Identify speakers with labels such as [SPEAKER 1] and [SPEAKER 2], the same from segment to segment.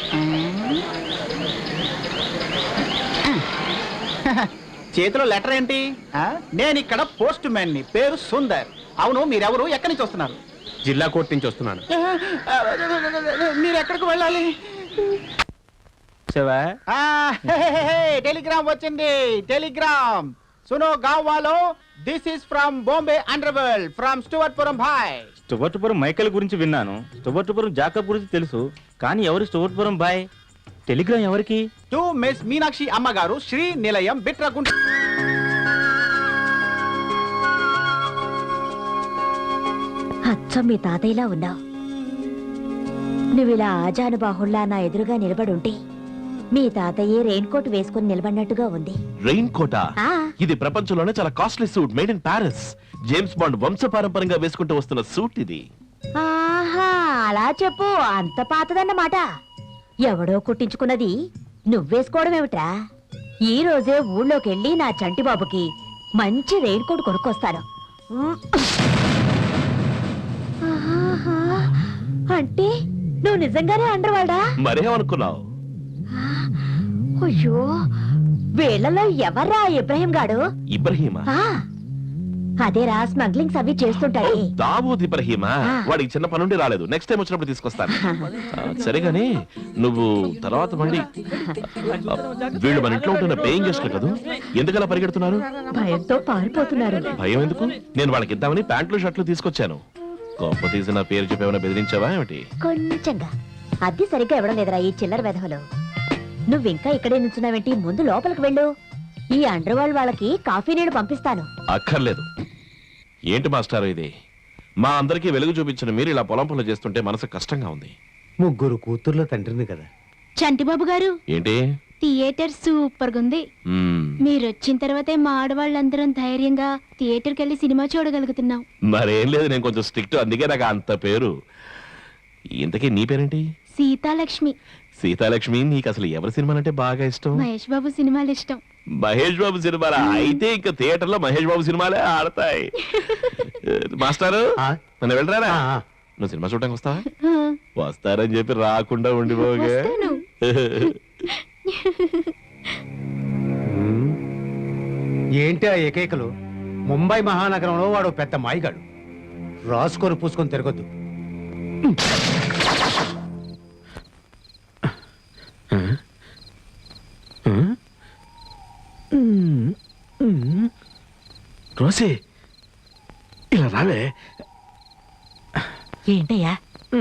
[SPEAKER 1] చేతిలో లెటర్ ఏంటి? నేను ఇక్కడ పోస్ట్ మ్యాన్ ని, పేరు సుందర్. అవును, మీరెవరు, ఎక్కడి నుంచి వస్తున్నారు?
[SPEAKER 2] జిల్లా కోర్టు నుంచి వస్తున్నాను.
[SPEAKER 1] మీరు ఎక్కడికి వెళ్ళాలి? టెలిగ్రామ్ వచ్చింది, టెలిగ్రామ్. సునో గావ్ వాలో, this is from Bombay underworld, from Stuartpuram భాయ్.
[SPEAKER 2] స్టువర్ట్పురం మైకేల్ గురించి విన్నాను, స్టువర్ట్పురం జాకబ్ గురించి తెలుసు, కానీ ఎవరు స్టువర్ట్పురం భాయ్? టెలిగ్రామ్ ఎవరికి?
[SPEAKER 1] టు మిస్ మీనాక్షి అమ్మగారు, శ్రీ నిలయం, బిట్రగుంట.
[SPEAKER 3] అచ్చం మీ తాతయ్యలా ఉన్నావు. నువ్విలా ఆజానుబాహుళ్లా నా ఎదురుగా నిలబడుంటే మీ తాతయ్యే రెయిన్ కోట్ వేసుకుని నిలబడినట్టుగా ఉంది.
[SPEAKER 4] రెయిన్ కోటా? ఇది ప్రపంచంలోనే చాలా costly suit, made in Paris. James Bond వంశపారంపర్యంగా వేసుకుంటూ వస్తున్న సూట్ ఇది.
[SPEAKER 3] ఆహా, అలా చెప్పు. అంత పాతదన్నమాట. ఎవడో కుట్టించుకున్నది నువ్వేసుకోవడం ఏమిట్రా? ఈ రోజే ఊళ్ళోకెళ్ళి నా చంటి బాబుకి మంచి రెయిన్ కోట్ కొనుక్కొస్తాను. అంటే నువ్వు నిజంగానే అండర్వాడా?
[SPEAKER 4] మరేమనుకున్నావు?
[SPEAKER 3] అయ్యో, వీళ్ళలో ఎవర్రా ఇబ్రహీం గాడు?
[SPEAKER 4] ఇబ్రహీమా?
[SPEAKER 3] అదేరా, స్మగ్లింగ్స్ అవి చేస్తుంటాడే.
[SPEAKER 4] దావూద్ ఇబ్రహీమా? వాడికి చిన్న పనుండి రాలేదు, నెక్స్ట్ టైం వచ్చినప్పుడు తీసుకొస్తాను. సరేగాని నువ్వు తర్వాత మళ్ళీ వీళ్ళు మన ఇంట్లో ఉంటున్న పేయింగ్ గెస్ట్లు కదా, ఎందుకలా పరిగెడుతున్నారు?
[SPEAKER 3] భయంతో పారిపోతున్నారు.
[SPEAKER 4] భయం ఎందుకు? నేను వాళ్ళకి ఇద్దామని ప్యాంట్లు షర్ట్లు తీసుకొచ్చాను. గొప్ప తీసి నా పేరు చెప్పేమైనా బెదిరించావా ఏమిటి?
[SPEAKER 3] కొంచెంగా. అది సరిగ్గా ఇవ్వడం లేదురా ఈ చిల్లర వెధవలు. నువ్వింకా ఇక్కడే నుంచున్నావేంటి? ముందు లోపలికి వెళ్ళు. ఈ అండర్వరల్డ్ వాళ్ళకి కాఫీ నీళ్ళు పంపిస్తాను.
[SPEAKER 4] అక్కర్లేదు. ఏంటి మాస్టారు ఇది? మా అందరికీ వెలుగు చూపించిన మీరు ఇలా పొలం పనులు చేస్తుంటే మనసు కష్టంగా ఉంది.
[SPEAKER 2] ముగ్గురు కూతుర్ల తండ్రిని కదా.
[SPEAKER 5] చంటిబాబు గారు,
[SPEAKER 4] ఏంటి?
[SPEAKER 5] థియేటర్ సూపర్ గా ఉంది. మీరు వచ్చిన తర్వాతే మా ఆడవాళ్ళందరం ధైర్యంగా థియేటర్కి వెళ్ళి సినిమా చూడగలుగుతున్నాం.
[SPEAKER 4] మరేం లేదు, నేను కొంచెం స్ట్రిక్ట్, అందుకే నాకు అంత పేరు. ఇంతకీ నీ పేరేంటి?
[SPEAKER 5] సీతాలక్ష్మి.
[SPEAKER 4] సీతాలక్ష్మి. నీకు అసలు ఎవరి సినిమాలంటే బాగా ఇష్టం?
[SPEAKER 5] మహేష్ బాబు సినిమాలు ఇష్టం.
[SPEAKER 4] మహేష్ బాబు సినిమాలా? అయితే ఇంకా థియేటర్ లో మహేష్ బాబు సినిమాలే ఆడతాయి. మాస్టారు, నన్ను వెళ్ళరా? నువ్వు సినిమా చూడటానికి వస్తావా? వస్తారని చెప్పి రాకుండా ఉండిపోగా.
[SPEAKER 6] ఏంటి ఆ ఏకైకలు? ముంబై మహానగరంలో వాడు పెద్ద మాయిగాడు. రాసుకొని పూసుకొని తిరగొద్దు.
[SPEAKER 4] రోసి, ఇలా రావే.
[SPEAKER 3] ఏంటయ్యా?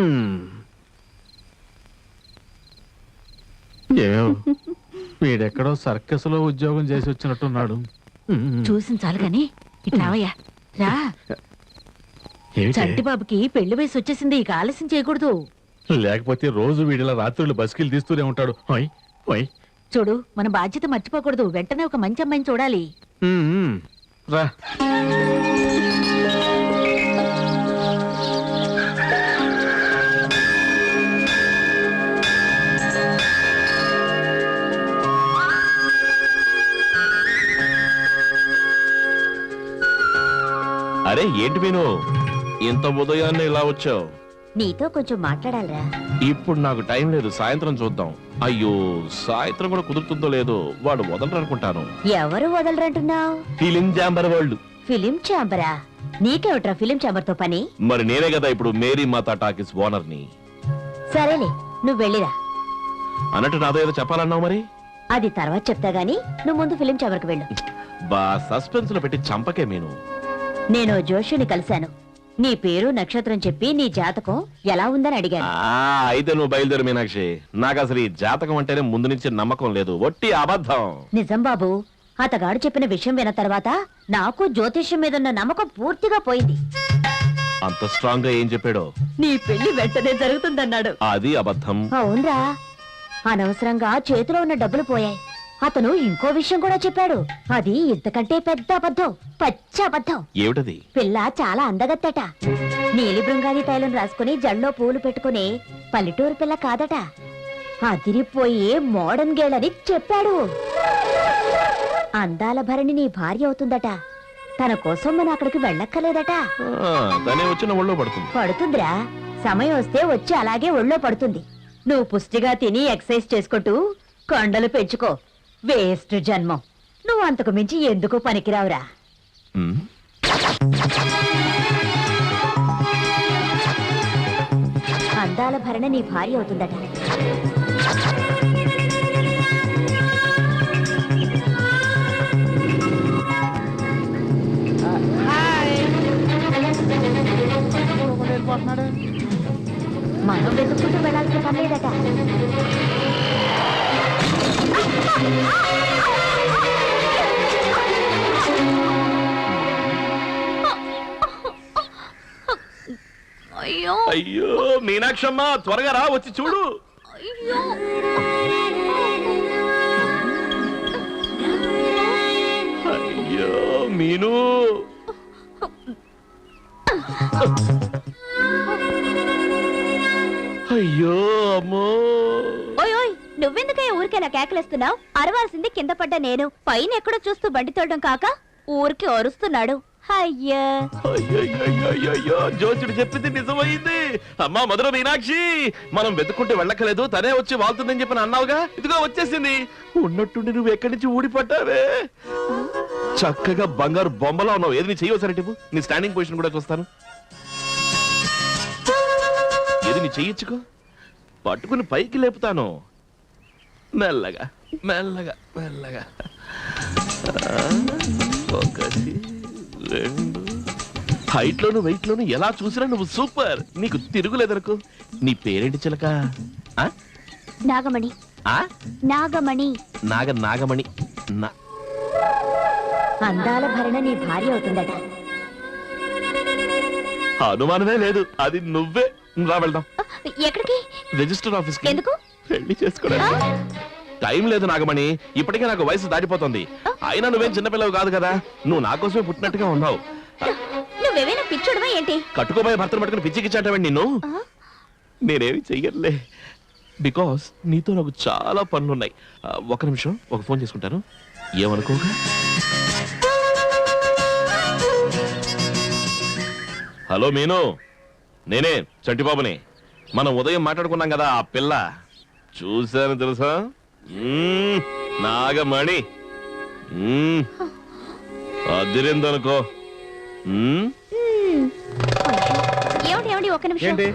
[SPEAKER 7] వీడెక్కడో సర్కస్ లో ఉద్యోగం చేసి వచ్చినట్టున్నాడు.
[SPEAKER 3] చూసిన చాలు గాని ఇట్లావయ్యా రా. చంటి బాబుకి పెళ్లి వయసు వచ్చేసింది, ఇక ఆలస్యం చేయకూడదు.
[SPEAKER 7] లేకపోతే రోజు వీడిలా రాత్రులు బస్కిలు తీస్తూనే ఉంటాడు.
[SPEAKER 3] చూడు, మన బాధ్యత మర్చిపోకూడదు. వెంటనే ఒక మంచి అమ్మాయిని చూడాలి.
[SPEAKER 7] రా.
[SPEAKER 4] అరే ఏంటి మీను, ఇంత ఉదయాన్నే ఇలా వచ్చావు?
[SPEAKER 3] నీతో కొంచెం మాట్లాడాలరా.
[SPEAKER 4] ఇప్పుడు నాకు టైం లేదు, సాయంత్రం చూద్దాం. అయ్యో, సాయంత్రం కూడా కుదురుతుందో లేదో. వాడు వదలరు అనుకుంటాను.
[SPEAKER 3] ఎవరు వదలరంటున్నావు?
[SPEAKER 4] ఫిలిం ఛాంబర్ వాళ్ళు.
[SPEAKER 3] ఫిలిం ఛాంబరా? నీకేమిట్రా ఫిలిం ఛాంబర్ తో పని?
[SPEAKER 4] మరి నేనే కదా ఇప్పుడు మేరీ మాతా టాకీస్ ఓనర్ ని.
[SPEAKER 3] సరేలే, నువ్వు వెళ్ళిరా.
[SPEAKER 4] అన్నట్టు నాతో ఏదో చెప్పాలన్నావు, మరి
[SPEAKER 3] అది తర్వాత చెప్తా గానీ నువ్వు ముందు ఫిలిం ఛాంబర్ కు వెళ్ళు.
[SPEAKER 4] బా సస్పెన్స్ లో పెట్టి చంపకే మీను.
[SPEAKER 3] నేను జోషుని కలిశాను. నీ పేరు నక్షత్రం చెప్పి నీ జాతకం ఎలా ఉందని అడిగాను.
[SPEAKER 4] అయితే నువ్వు బయలుదేరు మీనాక్షి. నాకు అసలు ఈ జాతకం అంటేనే ముందు నుంచి నమ్మకం లేదు, ఒట్టి అబద్ధం.
[SPEAKER 3] నిజం బాబు, అతగాడు చెప్పిన విషయం విన్న తర్వాత నాకు జ్యోతిష్యం మీద ఉన్న నమ్మకం పూర్తిగా పోయింది.
[SPEAKER 4] అంత స్ట్రాంగ్ గా ఏం చెప్పాడో?
[SPEAKER 3] నీ పెళ్లి వెంటనే జరుగుతుందన్నాడు.
[SPEAKER 4] అది అబద్ధం.
[SPEAKER 3] అవునరా, అనవసరంగా చేతిలో ఉన్న డబ్బులు పోయాయి. అతను ఇంకో విషయం కూడా చెప్పాడు, అది ఇంతకంటే పెద్ద అబద్ధం, పచ్చి అబద్ధం.
[SPEAKER 4] ఏమిటది?
[SPEAKER 3] పిల్ల చాలా అందగత్తట. నీలి బృంగాది తైలం రాసుకుని జల్లో పూలు పెట్టుకుని పల్లెటూరు పిల్ల కాదట, అదిరిపోయే మోడర్న్ గేల్ అని చెప్పాడు. అందాల భరణి నీ భార్య అవుతుందట. తన కోసం మనం అక్కడికి వెళ్ళక్కర్లేదట.
[SPEAKER 4] తనే వచ్చిన ఒళ్ళో పడుతుంది.
[SPEAKER 3] పడుతుందిరా, సమయం వస్తే వచ్చి అలాగే ఒళ్ళో పడుతుంది. నువ్వు పుష్టిగా తిని ఎక్సర్సైజ్ చేసుకుంటూ కొండలు పెంచుకో. వేస్ట్ జన్మం. నువ్వు అంతకు మించి ఎందుకు పనికిరావురా.
[SPEAKER 4] ఉమ్,
[SPEAKER 3] అందాల భరణ నీ భార్య అవుతుందట. మనం వెతుక్కుంటూ వెళ్ళాల్సిన పని లేదట.
[SPEAKER 5] అయ్యో
[SPEAKER 4] అయ్యో మీనాక్షమ్మ త్వరగా రా, వచ్చి చూడు.
[SPEAKER 5] అయ్యో
[SPEAKER 4] అయ్యో మీను, అయ్యో అమ్మో.
[SPEAKER 3] ఓయ్ ఓయ్, నువ్వెందుకయ్యా ఊరికైనా కేకలేస్తున్నావు? అరవాల్సింది కింద పడ్డ నేను. పైన ఎక్కడో చూస్తూ బండి తోడడం కాక ఊరికి అరుస్తున్నాడు. అయ్యా
[SPEAKER 4] అయ్యో జోచుడు చెప్పింది నిజమైంది. అమ్మా మధుర మీనాక్షి, మనం వెతుక్కుంటే వెళ్ళక్కలేదు, తనే వచ్చి వాళ్తుందని చెప్పి అన్నావుగా, ఇదిగో వచ్చేసింది. ఉన్నట్టుండి నువ్వు ఎక్కడి నుంచి ఊడిపడ్డావే. చక్కగా బంగారు బొమ్మలా ఉన్నావు. ఏది నీ చెయ్యొసరి టిప్పు, నీ స్టాండింగ్ పొజిషన్ కూడా చూస్తాను. ఏది నీ చెయ్యొచ్చుకో, పట్టుకుని పైకి లేపుతాను. మెల్లగా మెల్లగా మెల్లగా. ఒకటి రెండు. హైట్ లోను వెయిట్ లోను ఎలా చూసినా నువ్వు సూపర్. నీకు తిరుగులేదనుకో. నీ పేరేంటి చిలక? ఆ?
[SPEAKER 5] నాగమణి.
[SPEAKER 4] ఆ?
[SPEAKER 5] నాగమణి.
[SPEAKER 4] నాగమణి.
[SPEAKER 3] అందాల భరణ నీ భార్య అవుతుందట.
[SPEAKER 4] అనుమానమే లేదు, అది నువ్వే. రా వెళ్దాం.
[SPEAKER 5] ఎక్కడికి?
[SPEAKER 4] రిజిస్టర్ ఆఫీస్ కి.
[SPEAKER 5] ఎందుకు?
[SPEAKER 4] పెళ్లి చేసుకోవడానికి. టైం లేదు నాగమణి, ఇప్పటికే నాకు వయసు దాటిపోతుంది. అయినా నువ్వేం చిన్నపిల్లవు కాదు కదా, నువ్వు నా కోసమే పుట్టినట్టుగా ఉన్నావు.
[SPEAKER 3] నువ్వేమైనా పిచ్చుడవా ఏంటి?
[SPEAKER 4] కట్టుకోబోయే భర్తను పట్టుకుని పిచ్చికిచ్చాటవండి నిన్ను. నేనేమి చెయ్యట్లే, బికాస్ నీతో నాకు చాలా పనులున్నాయి. ఒక నిమిషం, ఒక ఫోన్ చేసుకుంటాను, ఏమనుకోగా. హలో మీను, నేనే చంటిబాబుని. మనం ఉదయం మాట్లాడుకున్నాం కదా, ఆ పిల్ల చూశాను తెలుసా. నాగమణి అదిరిందనుకో.
[SPEAKER 5] ఏమిటి ఏమిటి ఒక నిమిషం.
[SPEAKER 1] ఏంటి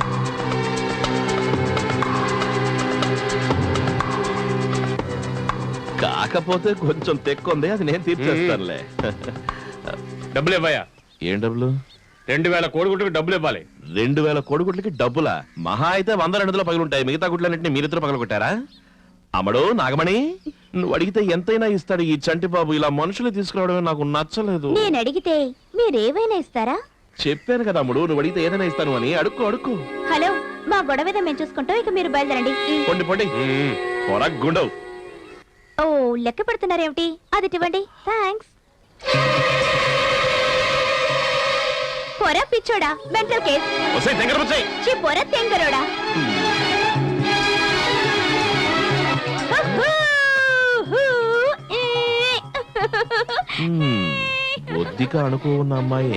[SPEAKER 4] కాకపోతే కొంచెం తెక్కుంది, అది నేను తీర్చేస్తానులే.
[SPEAKER 7] డబ్బులు ఇవ్వయా.
[SPEAKER 4] ఏం డబ్బులు?
[SPEAKER 7] 2000 కోడిగుడ్లకు డబ్బులు ఇవ్వాలి.
[SPEAKER 4] 2000 కోడిగుడ్లకి డబ్బులా? మహా అయితే 100-200 పగులుంటాయి. మిగతా గుడ్లన్నింటినీ మీరిద్దరు పగలగొట్టారా? అమ్మడు నాగమణి, నువ్వు అడిగితే ఎంతైనా ఇస్తాడు ఈ చంటి బాబు. ఇలా మనుషులు తీసుకురావడమే నాకు నచ్చలేదు.
[SPEAKER 3] నేను అడిగితే మీరేవైనా ఇస్తారా?
[SPEAKER 4] చెప్పాను కదా అమ్ముడు, నువ్వు అడిగితే ఏదైనా ఇస్తాను అని. అడుక్కో అడుక్కో.
[SPEAKER 3] హలో, మా గొడవ మేము చూసుకుంటాం, ఇక మీరు బయలుదేరండి.
[SPEAKER 4] పొండి పొండి, పొరగ్గుండవు.
[SPEAKER 3] ఓ, లెక్క పెడుతున్నారేమిటి? అది ఇవ్వండి. థ్యాంక్స్. పొర పిచ్చోడా, మెంటల్ కేస్.
[SPEAKER 4] వస్తాయి దగ్గర వచ్చాయి.
[SPEAKER 3] పొర తెంగరోడా.
[SPEAKER 4] బొద్దిగా అనుకో ఉన్న అమ్మాయే.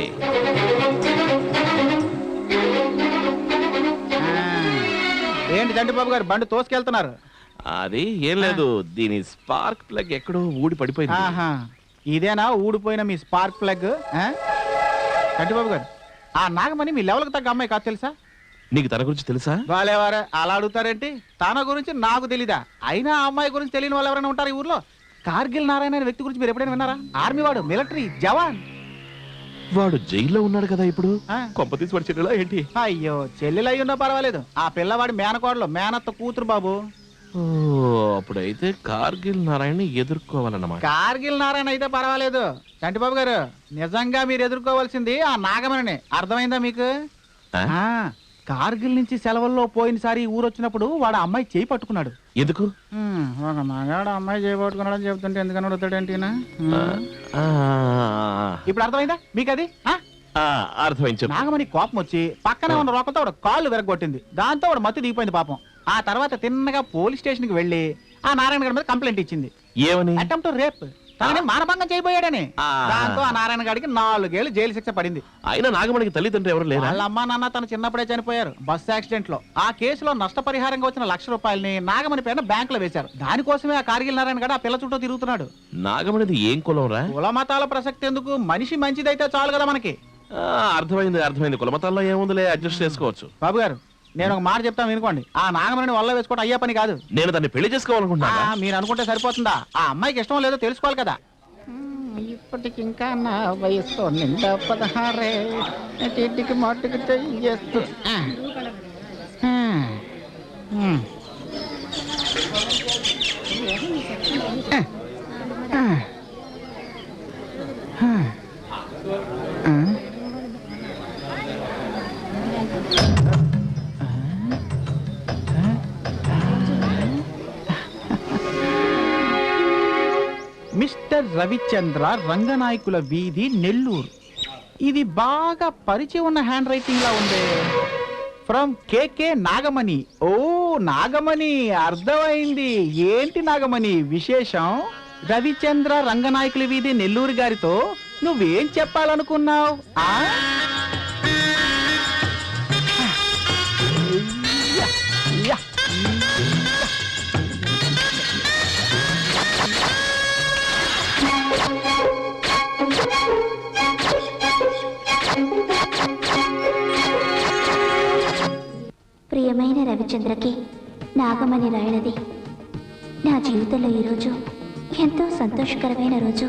[SPEAKER 1] ఏంటి చంటిబాబు గారు బండి తోసుకెళ్తున్నారు?
[SPEAKER 4] అది ఏం లేదు, దీని స్పార్క్ ప్లగ్ ఎక్కడో ఊడి పడిపోయింది.
[SPEAKER 1] ఆహా, ఇదేనా ఊడిపోయిన మీ స్పార్క్ ప్లగ్? చంటిబాబు గారు, ఆ నాగమణి మీ లెవెల్కి తగ్గ అమ్మాయి కాదు తెలుసా?
[SPEAKER 4] నీకు తన గురించి తెలుసా?
[SPEAKER 1] వాళ్ళెవరే అలా అడుగుతారేంటి? తన గురించి నాకు తెలీదా? అయినా ఆ అమ్మాయి గురించి తెలియని వాళ్ళు ఎవరైనా ఉంటారు ఈ ఊర్లో? కార్గిల్ నారాయణ అనే వ్యక్తి గురించి మీరు ఎప్పుడైనా విన్నారా? ఆర్మీ వాడు, మిలిటరీ జవాన్.
[SPEAKER 4] వాడు జైల్లో ఉన్నాడు కదా ఇప్పుడు.
[SPEAKER 1] ఆ.
[SPEAKER 4] కొంపతీసి వాడు చెల్లెలా ఏంటి?
[SPEAKER 1] అయ్యో, చెల్లెలు అయ్యున్నా పర్వాలేదు, ఆ పిల్లవాడి మేనకోడలు, మేనత్త కూతురు బాబు.
[SPEAKER 4] ఓ, అప్పుడైతే కార్గిల్ నారాయణ ఎదుర్కోవాలన్నమాట.
[SPEAKER 1] కార్గిల్ నారాయణ అయితే పర్వాలేదు. చంటిబాబు గారు, నిజంగా మీరు ఎదుర్కోవాల్సింది ఆ నాగమణిని. అర్థమైందా మీకు?
[SPEAKER 4] ఆ?
[SPEAKER 1] ఆ, కార్గిల్ నుంచి సెలవుల్లో పోయినసారి ఊరు వచ్చినప్పుడు వాడు అమ్మాయి చేయి పట్టుకున్నాడు.
[SPEAKER 4] ఎందుకు?
[SPEAKER 1] ఒక మగాడు అమ్మాయి చేయి పట్టుకున్నాడని చెప్తుంటే ఎందుకని అడుగుతాడేంటి?
[SPEAKER 4] ఆ,
[SPEAKER 1] ఇప్పుడు అర్థమైందా మీకు అది?
[SPEAKER 4] అర్థమైంది, చెప్పు.
[SPEAKER 1] నాగమణి కోపం వచ్చి పక్కనే ఉన్న రోకలతో వాడు కాళ్ళు విరగొట్టింది. దాంతో వాడు మత్తు దిగిపోయింది పాపం. ఆ తర్వాత తిన్నగా పోలీస్ స్టేషన్ కి వెళ్లి ఆ నారాయణ గారి మీద కంప్లైంట్ ఇచ్చింది.
[SPEAKER 4] ఏమని?
[SPEAKER 1] Attempt rape. తనని మానభంగం చేయబోయాడని.
[SPEAKER 4] ఆ.
[SPEAKER 1] దాంతో ఆ నారాయణ గారికి 4 ఏళ్ళు జైలు శిక్ష పడింది.
[SPEAKER 4] అయినా నాగమణికి తల్లిదండ్రులు ఎవరు లేరా?
[SPEAKER 1] వాళ్ళ అమ్మా నాన్న తన చిన్నప్పుడే చనిపోయారు బస్ యాక్సిడెంట్ లో. ఆ కేసులో నష్టపరిహారంగా వచ్చిన ₹1,00,000 నాగమణి పేరున బ్యాంకులో వేశారు. దానికోసమే ఆ కార్గిల్ నారాయణ గారు ఆ పిల్ల చుట్టూ తిరుగుతున్నాడు.
[SPEAKER 4] నాగమణిది ఏం కులం రా?
[SPEAKER 1] కుల మతాల ప్రసక్తి ఎందుకు, మనిషి మంచిదైతే చాలు కదా మనకి.
[SPEAKER 4] అర్థమైంది. కులమతాల్లో ఏముందిలే, అడ్జస్ట్ చేసుకోవచ్చు.
[SPEAKER 1] బాబు గారు, నేను ఒక మాట చెప్తాను వినుకోండి. ఆ నాగమణిని వల్ల వేసుకోవడం అయ్యే పని కాదు.
[SPEAKER 4] నేను దాన్ని పెళ్లి చేసుకోవాలనుకుంటున్నా.
[SPEAKER 1] మీరు అనుకుంటే సరిపోతుందా? ఆ అమ్మాయికి ఇష్టం లేదో తెలుసుకోవాలి కదా. ఇప్పటికి ఇంకా నా వయసు నిండా 16 ఇంటికి మాటికి చేస్తూ మిస్టర్ రవిచంద్ర రంగనాయకుల వీధి, నెల్లూరు. ఇది బాగా పరిచయం ఉన్న హ్యాండ్ రైటింగ్ లా ఉంది. From KK Nagamani. ఓ నాగమణి, అర్థమైంది. ఏంటి నాగమణి విశేషం? రవిచంద్ర రంగనాయకుల వీధి, నెల్లూరు గారితో నువ్వేం చెప్పాలనుకున్నావు?
[SPEAKER 8] ప్రియమైన రవిచంద్రకి నాగమణి రాయనది. నా జీవితంలో ఈరోజు ఎంతో సంతోషకరమైన రోజు.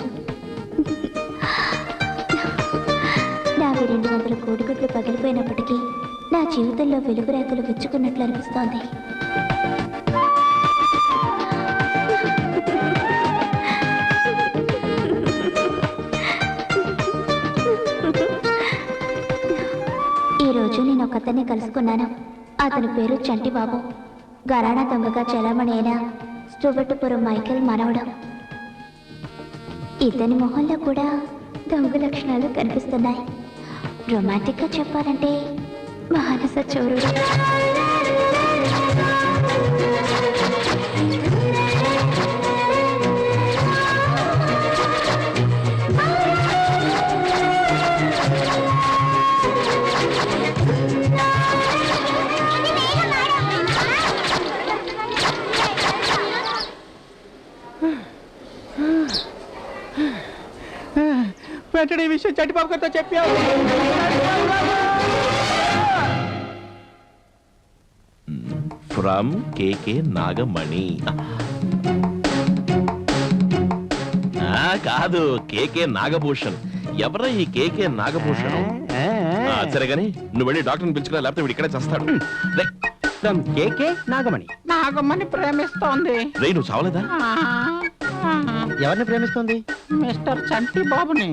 [SPEAKER 8] నావి 200 కోడిగుడ్లు పగిలిపోయినప్పటికీ నా జీవితంలో వెలుగు రేఖలు విచ్చుకున్నట్లు అనిపిస్తోంది. ఈరోజు నేను ఒకతన్ని కలుసుకున్నాను. అతని పేరు చంటిబాబు. గరాణా దొంగగా చలామణి అయిన స్టూవర్టుపురం మైకేల్ మనవడు. ఇతని మొహంలో కూడా దొంగ లక్షణాలు కనిపిస్తున్నాయి. రొమాంటిక్ గా చెప్పాలంటే మానస చోరుడు.
[SPEAKER 1] వెంటనే ఈ విషయం చంటిబాబు గారితో చెప్పావు.
[SPEAKER 4] From KK Nagamani. కాదు, కేకే నాగభూషణ్. ఎవరా ఈ కేకే నాగభూషణ్? సరే గాని నువ్వు వెళ్ళి డాక్టర్ని పిలుచుకురా, లేకపోతే వీడు ఇక్కడే చేస్తాడు.
[SPEAKER 6] From KK Nagamani.
[SPEAKER 1] నాగమణి ప్రేమిస్తోంది.
[SPEAKER 4] రే, నువ్వు చావలేదా?
[SPEAKER 6] ఎవరిని ప్రేమిస్తుంది?
[SPEAKER 1] మిస్టర్ చంటి బాబుని.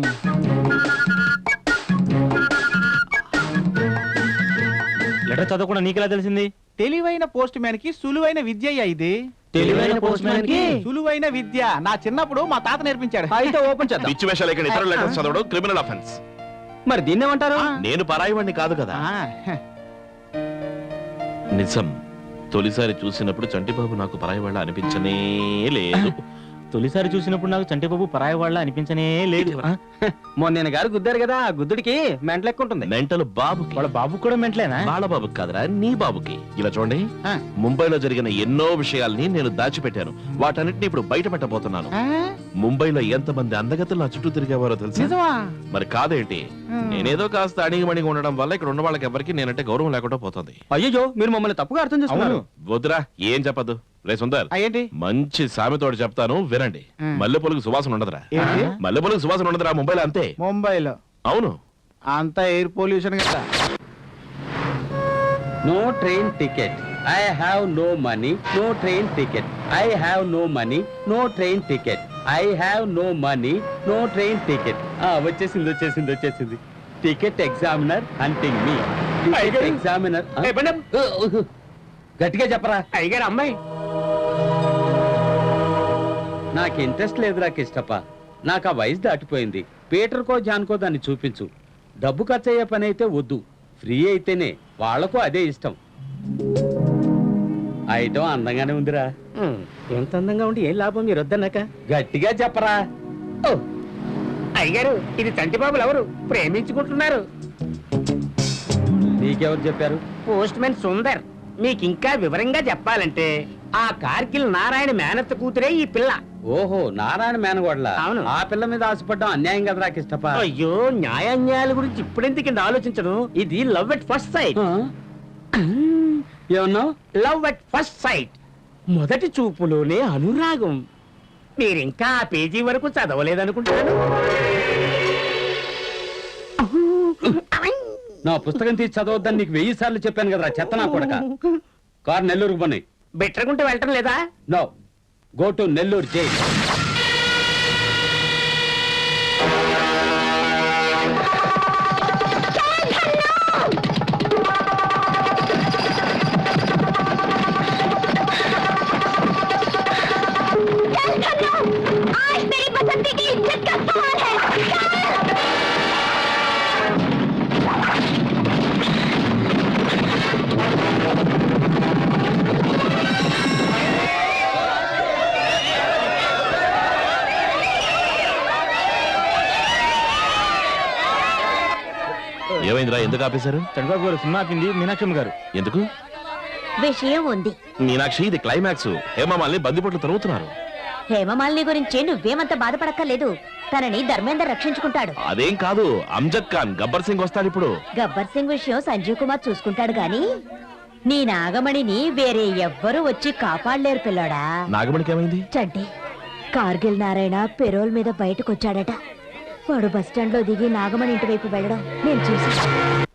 [SPEAKER 2] లెటర్ చదవకుండా నీకెలా తెలిసింది?
[SPEAKER 1] తెలివైన పోస్ట్ మ్యాన్ కి సులువైన విద్య ఇది.
[SPEAKER 2] తెలివైన పోస్ట్ మ్యాన్ కి
[SPEAKER 1] సులువైన విద్య నా చిన్నప్పుడు మా తాత నేర్పించాడు.
[SPEAKER 6] అయితే ఓపెన్ చేద్దాం.
[SPEAKER 4] పిచ్చి వేషాలు ఇక్కడ ఇతర లెటర్స్ చదవడం క్రిమినల్ అఫెన్స్.
[SPEAKER 6] మరి దీన్ని ఏమంటారు?
[SPEAKER 4] నేను పరాయివాణ్ణి కాదు కదా. నిజం, తొలిసారి చూసినప్పుడు చంటిబాబు నాకు పరాయివాళ్ళ అనిపించనే లేదు.
[SPEAKER 2] తొలిసారి చూసినప్పుడు నాకు చంటిబాబు పరాయి వాళ్ళ అనిపించనే లేదు.
[SPEAKER 6] మొన్న గారు గుద్దారు కదా, ఆ గుద్దుడికి మెంటల్ ఎక్కువ ఉంటుంది.
[SPEAKER 4] మెంటల్ బాబుకి.
[SPEAKER 2] వాళ్ళ బాబు కూడా మెంటలేనా?
[SPEAKER 4] వాళ్ళ బాబుకి కాదురా, నీ బాబుకి. ఇలా చూడండి, ముంబైలో జరిగిన ఎన్నో విషయాల్ని నేను దాచిపెట్టాను. వాటన్నిటిని ఇప్పుడు బయట పెట్టబోతున్నాను. ముంబైలో ఎంతమంది అందగతులు నా చుట్టూ తిరిగేవారో తెలుసా? మరి కాదేంటి, నేనేదో కాస్త అణిగిమణిగా ఉండడం వల్ల ఇక్కడ ఉన్న వాళ్ళకి ఎవరికి నేనంటే గౌరవం లేకుండా పోతుంది.
[SPEAKER 6] అయ్యో, మీరు మమ్మల్ని తప్పుగా అర్థం చేసుకున్నారు.
[SPEAKER 4] వద్దురా, ఏం చెప్పదు. రే సుందర్,
[SPEAKER 1] ఏంటి?
[SPEAKER 4] మంచి సామెతోటి చెప్తాను వినండి. మల్లెపూలకు సువాసన ఉండదురా.
[SPEAKER 1] ఏంటి?
[SPEAKER 4] మల్లెపూలకు సువాసన ఉండదురా ముంబైలో, అంతే.
[SPEAKER 1] ముంబైలో
[SPEAKER 4] అవును.
[SPEAKER 1] అంతా ఎయిర్ పొల్యూషన్ కదా.
[SPEAKER 9] No train ticket. I have no money. No train ticket. I have no money. No train ticket. I have no money. No train ticket. వచ్చేసింది. Ticket examiner hunting me. Ticket examiner. గట్టిగా చెప్పరా.
[SPEAKER 6] అయ్యగారు అమ్మాయి.
[SPEAKER 9] నాకు interest లేదురా కిష్టప్ప. నాకు ఆ వయసు దాటిపోయింది. పీటర్కో జాన్కో దాన్ని చూపించు. డబ్బు ఖర్చు అయ్యే పని అయితే వద్దు. ఫ్రీ అయితేనే. వాళ్లకు అదే ఇష్టం. ఐటమ్ అందంగానే ఉందిరా.
[SPEAKER 6] ఎంత అందంగా ఉండి ఏం లాభం మీరు వద్దన్నాక?
[SPEAKER 9] గట్టిగా చెప్పరా. అయ్యారు ఇది చంటిబాబులు ఎవరు ప్రేమించుకుంటున్నారు? నీకెవరు చెప్పారు? Postman Sundar. మీకు ఇంకా వివరంగా చెప్పాలంటే ఆ కార్గిల్ నారాయణ మేనత్త కూతురే ఈ పిల్ల. ఓహో, నారాయణ మేనగోడ్ల. అవును. ఆ పిల్ల మీద ఆశపడ్డం అన్యాయం కదా రాకిష్టప. అయ్యో, న్యాయాన్యాయాల గురించి ఇప్పుడెందుకు ఆలోచించడం? ఇది లవ్ ఎట్ ఫస్ట్ సైట్. ఏమన్నావు? లవ్ ఎట్ ఫస్ట్ సైట్, మొదటి చూపులోనే అనురాగం. మీరింకా ఆ పేజీ వరకు చదవలేదనుకుంటాను. నా పుస్తకం తీసి చదవద్దని నీకు 1000 సార్లు చెప్పాను కదరా చెత్త నా కొడక. కారు నెల్లూరుకు పోనీ. బెట్టరకుంటే వెళ్ళటం లేదా? No, go to Nellore jail.
[SPEAKER 4] ఏమైందిరా, ఎందుకు ఆపేశారు?
[SPEAKER 2] చంద్రబాబు గారు సినిమా ఆపింది మీనాక్షమ్మ గారు.
[SPEAKER 4] ఎందుకు?
[SPEAKER 3] విషయం ఉంది.
[SPEAKER 4] మీనాక్షి, ఇది క్లైమాక్స్. హేమమాలిని బందిపోట్లు తరుగుతున్నారు.
[SPEAKER 3] హేమమాలిని గురించి నువ్వేమంత బాధపడక్కర్లేదు. తనని ధర్మేందర్ రక్షించుకుంటాడు.
[SPEAKER 4] అదేం కాదు, అమ్జద్ ఖాన్ గబ్బర్ సింగ్ వస్తాడు ఇప్పుడు.
[SPEAKER 3] గబ్బర్ సింగ్ విషయం సంజీవ్ కుమార్ చూసుకుంటాడు గాని నీ నాగమణిని వేరే ఎవ్వరూ వచ్చి కాపాడలేరు పిల్లోడా.
[SPEAKER 4] నాగమణికి ఏమైంది?
[SPEAKER 3] చంటి, కార్గిల్ నారాయణ పెరోల్ మీద బయటకొచ్చాడట. వాడు బస్టాండ్ లో దిగి నాగమణి ఇంటి వైపు వెళ్ళడం నేను చూసి